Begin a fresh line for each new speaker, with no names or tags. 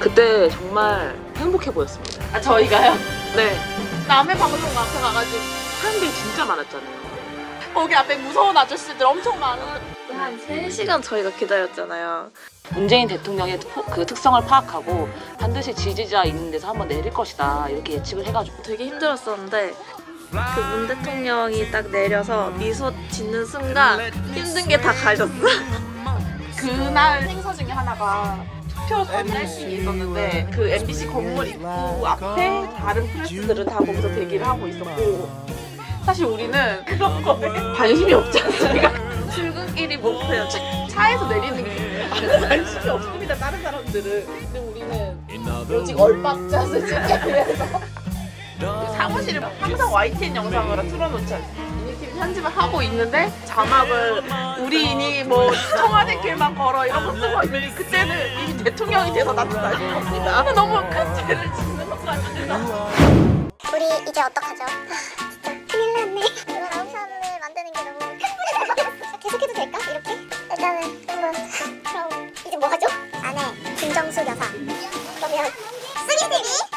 그때 정말 행복해 보였습니다.
아 저희가요?
네.
남의 방송 앞에 가가지고
사람들이 진짜 많았잖아요.
거기 앞에 무서운 아저씨들 엄청 많은.
한 3시간 저희가 기다렸잖아요.
문재인 대통령의 그 특성을 파악하고 반드시 지지자 있는 데서 한번 내릴 것이다 이렇게 예측을 해가지고
되게 힘들었었는데 그 문 대통령이 딱 내려서 미소 짓는 순간 힘든 게 다 가셨어.
그날 행사 중에 하나가 투표 선례식이 있었는데 그 MBC 건물 입구 앞에 다른 프레스들은 다 거기서 대기를 하고 있었고 사실 우리는 그런 거에 관심이 없지 않습니까?
출근길이 목표요.
차에서 내리는 게 관심이 없습니다 다른 사람들은. 근데 우리는 오직 얼박샷을 찍기 위해서 사무실을 항상 YTN 영상으로 틀어놓지 않습니까? 유니팀 편집을 하고 있는데 자막을 우리인이 뭐 청와대 길만 걸어 이런 거 쓰고 있는데 그때는 이미 대통령이 돼서 나타나신 겁니다. 너무 큰 죄를 짓는 것 같아서.
우리 이제 어떡하죠? 진짜 큰일 났네. 이걸 아웃샷을 만드는 게 너무 큰 문제라서 계속해도 될까? 이렇게? 일단은 한번 그럼 이제 뭐 하죠? 안에 김정수 여사 그러면 3, 2, 1